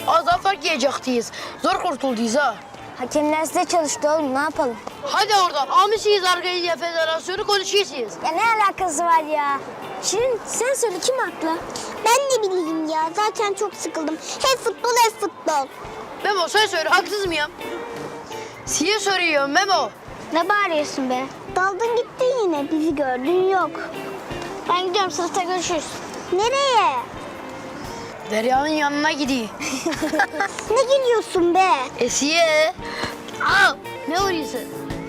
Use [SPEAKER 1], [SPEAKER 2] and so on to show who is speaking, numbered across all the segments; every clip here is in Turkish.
[SPEAKER 1] Az daha fark yiyecektiyiz. Zor kurtulduyuz ha.
[SPEAKER 2] Hakemler size çalıştı oğlum, ne yapalım?
[SPEAKER 1] Hadi oradan. Almışsınız Argeliye Federasyonu konuşuyorsunuz.
[SPEAKER 2] Ya ne alakası var ya? Şirin sen söyle, kim haklı?
[SPEAKER 3] Ben de bileyim ya. Zaten çok sıkıldım. Hep futbol, hep futbol.
[SPEAKER 1] Memo sen söyle, haksız mıyım? Size soruyorum Memo.
[SPEAKER 2] Ne bağırıyorsun be?
[SPEAKER 3] Daldın gittin yine. Bizi gördün yok.
[SPEAKER 2] Ben gidiyorum, sınıfta görüşürüz.
[SPEAKER 3] Nereye?
[SPEAKER 1] Derya'nın yanına gideyim.
[SPEAKER 3] Ne gülüyorsun be?
[SPEAKER 1] Esiye. Al. Ne oluyorsun?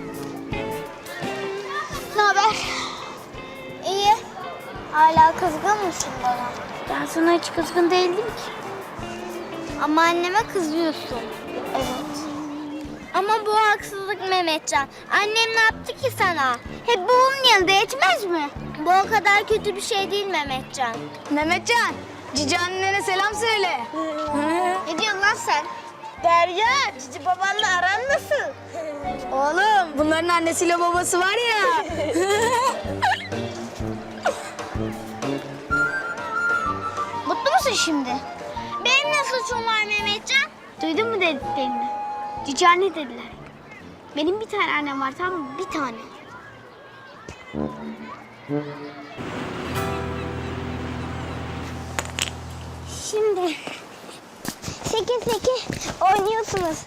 [SPEAKER 3] Ne haber? İyi. Hala kızgın mısın bana?
[SPEAKER 2] Ben sana hiç kızgın değildim ki.
[SPEAKER 3] Ama anneme kızıyorsun.
[SPEAKER 2] Evet.
[SPEAKER 3] Ama bu haksızlık Mehmetcan. Annem ne yaptı ki sana? Hep babamın yanında yetmez mi? Bu o kadar kötü bir şey değil Mehmetcan.
[SPEAKER 2] Mehmetcan, cici annene selam söyle.
[SPEAKER 3] Ne diyorsun lan sen? Derya, cici babanla aran nasıl?
[SPEAKER 2] Oğlum, bunların annesiyle babası var ya.
[SPEAKER 3] Mutlu musun şimdi? Benim ne suçum var Mehmetcan?
[SPEAKER 2] Duydun mu dediklerini? Cici anne dediler. Benim bir tane annem var, tamam mı? Bir tane.
[SPEAKER 3] Şimdi seke oynuyorsunuz.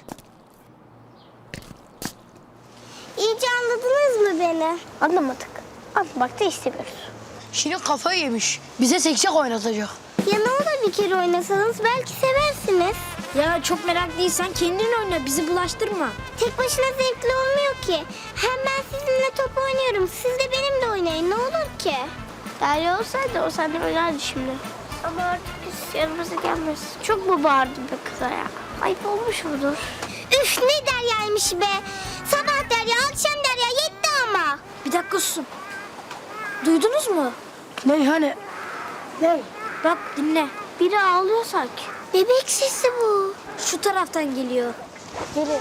[SPEAKER 3] İyice anladınız mı beni?
[SPEAKER 2] Anlamadık. Anlamak da istemiyoruz.
[SPEAKER 1] Şirin kafayı yemiş. Bize seksek oynatacak.
[SPEAKER 3] Ya ne olur bir kere oynasanız belki seversiniz.
[SPEAKER 2] Ya çok meraklıysan kendin oyna, bizi bulaştırma.
[SPEAKER 3] Tek başına zevkli olmuyor ki. Hem ben sizinle top oynuyorum. Siz de benimle oynayın. Ne olur ki?
[SPEAKER 2] Derya olsaydı o senden oynardı şimdi. Ama artık biz yanımıza gelmez. Çok mu bağırdın be kıza ya? Ayıp olmuş mudur?
[SPEAKER 3] Üf ne deryaymış be. Sabah derya, akşam derya yetti ama.
[SPEAKER 2] Bir dakika susun. Duydunuz mu?
[SPEAKER 1] Ne hani?
[SPEAKER 2] Ne? Bak dinle. Biri ağlıyor sanki.
[SPEAKER 3] Bebek sesi bu.
[SPEAKER 2] Şu taraftan geliyor. Geri.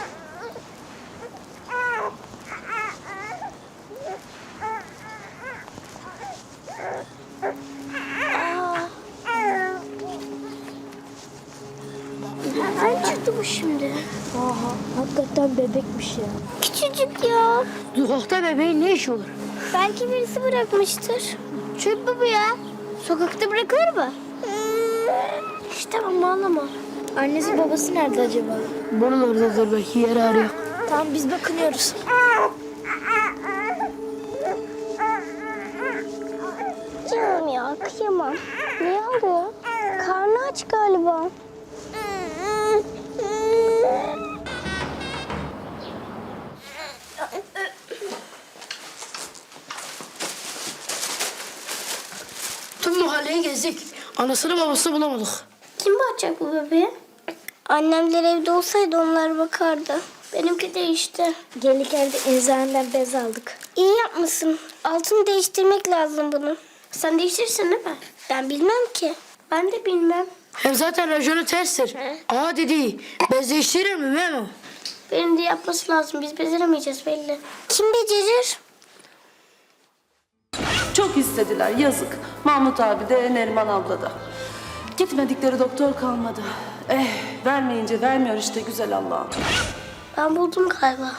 [SPEAKER 3] Nereden çıktı bu şimdi?
[SPEAKER 2] Aha, hakikaten bebekmiş ya.
[SPEAKER 3] Küçücük ya.
[SPEAKER 1] Sokakta bebeğin ne işi olur?
[SPEAKER 3] Belki birisi bırakmıştır. Çöp mü bu ya?
[SPEAKER 2] Sokakta bırakılır mı? İşte ama ağlama. Annesi babası nerede acaba?
[SPEAKER 1] Buralardadır belki, yer arıyor.
[SPEAKER 2] Tamam biz bakınıyoruz.
[SPEAKER 3] Canım ya kıyamam. Niye ağlıyor? Karnı aç galiba.
[SPEAKER 1] Tüm mahalleyi gezdik. Anasını babasını bulamadık.
[SPEAKER 3] Kim bakacak bu bebeğe? Annemler evde olsaydı onlar bakardı. Benimki değişti.
[SPEAKER 2] Gelirken de eczaneden bez aldık.
[SPEAKER 3] İyi yapmışsın. Altını değiştirmek lazım bunu.
[SPEAKER 2] Sen değiştirirsin değil mi?
[SPEAKER 3] Ben bilmem ki.
[SPEAKER 2] Ben de bilmem.
[SPEAKER 1] Hem zaten rajonu terstir. Aa dedi, bez değiştirir mi Memo?
[SPEAKER 2] Benim de yapması lazım. Biz beceremeyeceğiz belli.
[SPEAKER 3] Kim becerir?
[SPEAKER 4] Çok istediler, yazık. Mahmut abi de, Neriman abla da. Gitmedikleri doktor kalmadı. Vermeyince vermiyor işte güzel Allah'ım.
[SPEAKER 2] Ben buldum galiba.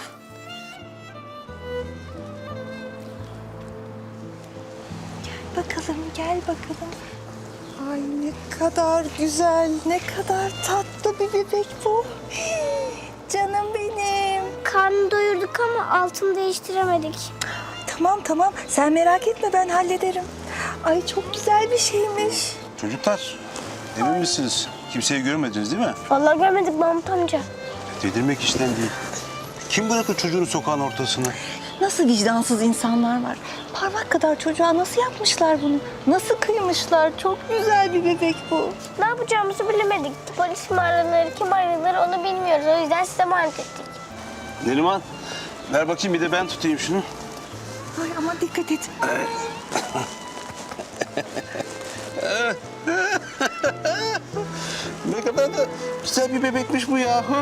[SPEAKER 5] Bakalım, gel bakalım. Ay ne kadar güzel, ne kadar tatlı bir bebek bu. Canım benim.
[SPEAKER 3] Karnını doyurduk ama altını değiştiremedik.
[SPEAKER 5] Tamam tamam, sen merak etme ben hallederim. Ay çok güzel bir şeymiş.
[SPEAKER 6] Çocuklar, emin misiniz? Kimseyi görmediniz değil mi?
[SPEAKER 3] Vallahi görmedik Mahmut amca.
[SPEAKER 6] Dedirmek işten değil. Kim bırakır çocuğunu sokağın ortasına?
[SPEAKER 5] Nasıl vicdansız insanlar var. Parmak kadar çocuğa nasıl yapmışlar bunu? Nasıl kıymışlar? Çok güzel bir bebek bu.
[SPEAKER 3] Ne yapacağımızı bilemedik. Polis mi aranır, kim aranır onu bilmiyoruz. O yüzden size emanet ettik.
[SPEAKER 6] Neriman, ver bakayım bir de ben tutayım şunu.
[SPEAKER 5] Ay ama dikkat et.
[SPEAKER 6] Ne kadar da güzel bir bebekmiş bu yahu.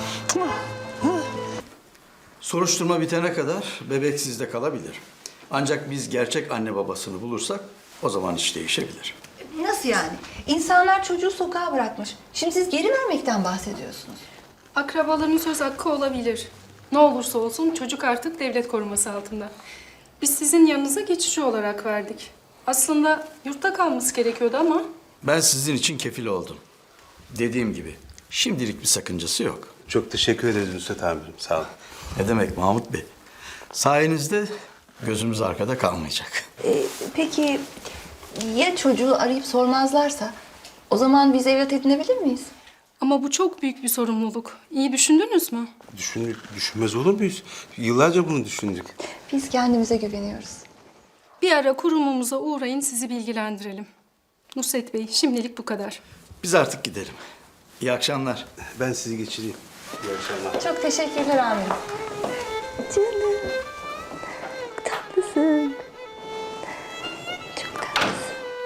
[SPEAKER 7] Soruşturma bitene kadar bebek sizde kalabilir. Ancak biz gerçek anne babasını bulursak o zaman iş değişebilir.
[SPEAKER 5] Nasıl yani? İnsanlar çocuğu sokağa bırakmış. Şimdi siz geri vermekten bahsediyorsunuz.
[SPEAKER 8] Akrabaların söz hakkı olabilir. Ne olursa olsun çocuk artık devlet koruması altında. Biz sizin yanınıza geçici olarak verdik. Aslında yurtta kalması gerekiyordu ama
[SPEAKER 7] Ben sizin için kefil oldum. Dediğim gibi şimdilik bir sakıncası yok.
[SPEAKER 6] Çok teşekkür ederiz Nusret amirim. Sağ olun.
[SPEAKER 7] Ne demek Mahmut Bey? Sayenizde gözümüz arkada kalmayacak.
[SPEAKER 5] Peki ya çocuğu arayıp sormazlarsa? O zaman biz evlat edinebilir miyiz?
[SPEAKER 8] ama bu çok büyük bir sorumluluk. İyi düşündünüz mü?
[SPEAKER 6] Düşünmez olur muyuz? Yıllarca bunu düşündük.
[SPEAKER 5] Biz kendimize güveniyoruz.
[SPEAKER 8] Bir ara kurumumuza uğrayın, sizi bilgilendirelim. Nusret Bey, şimdilik bu kadar.
[SPEAKER 7] Biz artık gidelim. İyi akşamlar.
[SPEAKER 6] Ben sizi geçireyim. İyi akşamlar.
[SPEAKER 5] Çok teşekkürler amirim. Canım. Çok tatlısın. Çok tatlısın.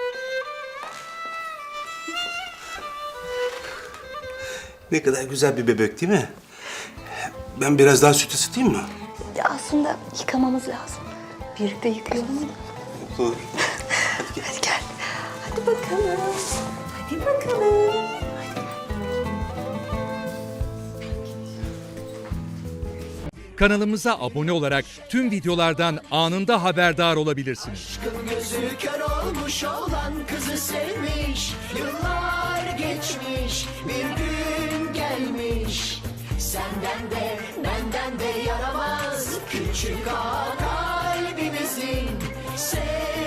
[SPEAKER 6] Ne kadar güzel bir bebek değil mi? Ben biraz daha süt ısıtayım mı?
[SPEAKER 5] Aslında yıkamamız lazım. Birlikte yıkayalım mı?
[SPEAKER 6] Olur.
[SPEAKER 5] Hadi gel. Hadi bakalım. Hadi bakalım.
[SPEAKER 9] Kanalımıza abone olarak tüm videolardan anında haberdar olabilirsiniz.
[SPEAKER 10] Gözü kör olmuş olan kızı sevmiş. Yıllar geçmiş, bir gün gelmiş. Senden de benden de yaramaz küçük ağa kalbimizin.